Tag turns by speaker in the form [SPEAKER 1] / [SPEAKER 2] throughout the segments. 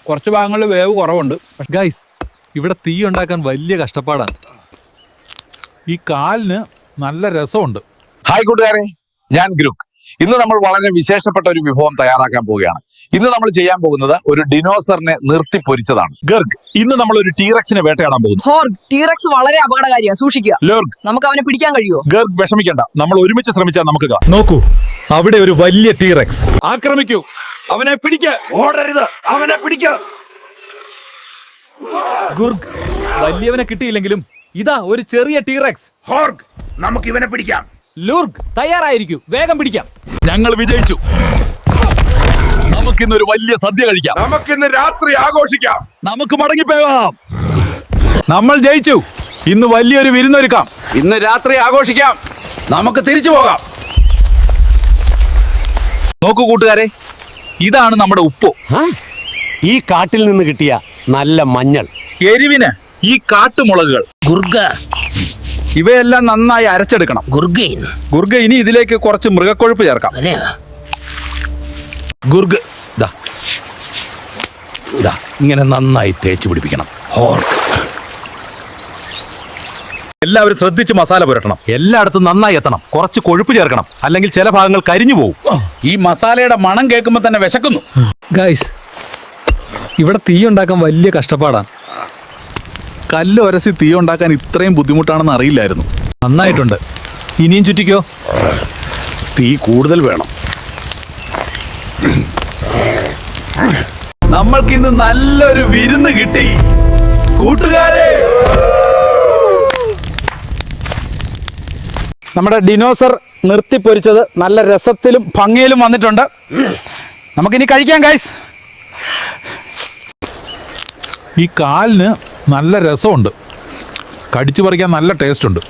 [SPEAKER 1] കുറച്ച് ഭാഗങ്ങളിൽ വേവ് കുറവുണ്ട്.
[SPEAKER 2] ഗൈസ്, ഇവിടെ തീ ഉണ്ടാക്കാൻ വലിയ കഷ്ടപ്പാടാണ്.
[SPEAKER 1] ഈ കാലിന് നല്ല രസമുണ്ട്.
[SPEAKER 3] ഹായ് കൂട്ടുകാരെ, ഞാൻ ഗ്രൂക്ക്. ഇന്ന് നമ്മൾ വളരെ വിശേഷപ്പെട്ട ഒരു വിഭവം തയ്യാറാക്കാൻ പോവുകയാണ്. ഇന്ന് നമ്മൾ ചെയ്യാൻ പോകുന്നത് ഒരു ഡിനോസറിനെ നിർത്തി പൊരിച്ചതാണ്. ഗർഗ്, ഇന്ന് നമ്മൾ ഒരു ടീറക്സിനെ വേട്ടയാടാൻ പോകുന്നു.
[SPEAKER 4] ഹോർഗ്, ടീറക്സ് വളരെ അപകടകാരിയാണ്, സൂക്ഷിക്കുക.
[SPEAKER 3] ലോർഗ്,
[SPEAKER 4] നമുക്ക് അവനെ പിടിക്കാൻ കഴിയുമോ?
[SPEAKER 3] ഗർഗ് വിഷമിക്കണ്ട, നമ്മൾ ഒരുമിച്ച് ശ്രമിച്ചാൽ നമുക്ക്
[SPEAKER 2] നോക്കൂ, അവിടെ ഒരു വലിയ ടീറക്സ്.
[SPEAKER 3] ആക്രമിക്കൂ, അവനെ പിടിക്ക്. ഓടരുത്, അവനെ പിടിക്ക്.
[SPEAKER 2] ഗുർഗ്, വലിയവനെ കിട്ടിയില്ലെങ്കിലും ഇതാ ഒരു ചെറിയ ടീറക്സ്.
[SPEAKER 5] ഹോർഗ്, നമുക്ക് ഇവനെ പിടിക്കാം.
[SPEAKER 2] ലൂർഗ്, തയ്യാറായിരിക്കൂ, വേഗം പിടിക്കാം.
[SPEAKER 3] ഞങ്ങൾ വിജയിച്ചു. നമുക്കിന്നൊരു വലിയ സദ്യ കഴിക്കാം.
[SPEAKER 5] നമുക്കിന്ന് രാത്രി ആഘോഷിക്കാം.
[SPEAKER 3] നമുക്ക് മടങ്ങിപ്പോകാം.
[SPEAKER 1] നമ്മൾ ജയിച്ചു. ഇന്ന് വലിയൊരു വിരുന്നൊരുക്കാം.
[SPEAKER 3] ഇന്ന് രാത്രി ആഘോഷിക്കാം. നമുക്ക് തിരിച്ചു പോകാം. നോക്കൂ കൂട്ടുകാരെ, ഇതാണ് നമ്മുടെ ഉപ്പ്.
[SPEAKER 6] ഈ കാട്ടിൽ നിന്ന് കിട്ടിയ നല്ല മഞ്ഞൾ.
[SPEAKER 3] എരിവിന് ഈ കാട്ടുമുളകുകൾ.
[SPEAKER 6] ഗുർഗ,
[SPEAKER 1] ഇവയെല്ലാം നന്നായി അരച്ചെടുക്കണം.
[SPEAKER 6] ഗുർഗൈൻ,
[SPEAKER 1] ഗുർഗ, ഇനി ഇതിലേക്ക് കുറച്ച് മൃഗക്കൊഴുപ്പ് ചേർക്കാം.
[SPEAKER 3] ഗുർഗ്, ഇങ്ങനെ നന്നായി തേച്ച് പിടിപ്പിക്കണം. ഹോർക്ക്,
[SPEAKER 1] എല്ലാവരും ശ്രദ്ധിച്ച് മസാല പുരട്ടണം.
[SPEAKER 3] എല്ലായിടത്തും നന്നായി എത്തണം. കുറച്ച് കൊഴുപ്പ് ചേർക്കണം, അല്ലെങ്കിൽ ചില ഭാഗങ്ങൾ കരിഞ്ഞു പോകും. ഈ മസാലയുടെ മണം കേൾക്കുമ്പോൾ തന്നെ വിശക്കുന്നു.
[SPEAKER 2] ഗൈസ്, ഇവിടെ തീ ഉണ്ടാക്കാൻ വലിയ കഷ്ടപ്പാടാണ്.
[SPEAKER 1] കല്ല് ഉരസി തീ ഉണ്ടാക്കാൻ ഇത്രയും ബുദ്ധിമുട്ടാണെന്ന് അറിയില്ലായിരുന്നു.
[SPEAKER 2] നന്നായിട്ടുണ്ട്. ഇനിയും ചുറ്റിക്കോ.
[SPEAKER 5] തീ കൂടുതൽ വേണം.
[SPEAKER 1] നമ്മൾക്കിന്ന് നല്ലൊരു വിരുന്ന് കിട്ടി കൂട്ടുകാരെ. നമ്മുടെ ഡിനോസർ നിർത്തിപ്പൊരിച്ചത് നല്ല രസത്തിലും ഭംഗിയിലും വന്നിട്ടുണ്ട്. നമുക്കിനി കഴിക്കാം ഗൈസ്. ഈ കാലിന് നല്ല രസമുണ്ട്. കടിച്ചു പറിക്കാൻ നല്ല ടേസ്റ്റ് ഉണ്ട്.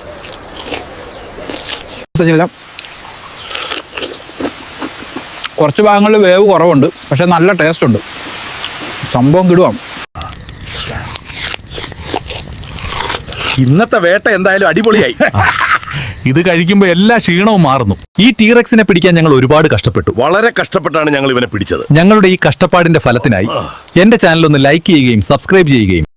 [SPEAKER 1] കുറച്ച് ഭാഗങ്ങളിൽ വേവ് കുറവുണ്ട്, പക്ഷെ നല്ല ടേസ്റ്റ് ഉണ്ട്. സംഭവം കിടുവാം.
[SPEAKER 3] ഇന്നത്തെ വേട്ട എന്തായാലും അടിപൊളിയായി.
[SPEAKER 1] ഇത് കഴിക്കുമ്പോൾ എല്ലാ ക്ഷീണവും മാറുന്നു.
[SPEAKER 2] ഈ ടീറക്സിനെ പിടിക്കാൻ ഞങ്ങൾ ഒരുപാട് കഷ്ടപ്പെട്ടു.
[SPEAKER 5] വളരെ കഷ്ടപ്പെട്ടാണ് ഞങ്ങൾ ഇവനെ പിടിച്ചത്.
[SPEAKER 2] ഞങ്ങളുടെ ഈ കഷ്ടപ്പാടിന്റെ ഫലത്തിനായി എന്റെ ചാനൽ ഒന്ന് ലൈക്ക് ചെയ്യുകയും സബ്സ്ക്രൈബ് ചെയ്യുകയും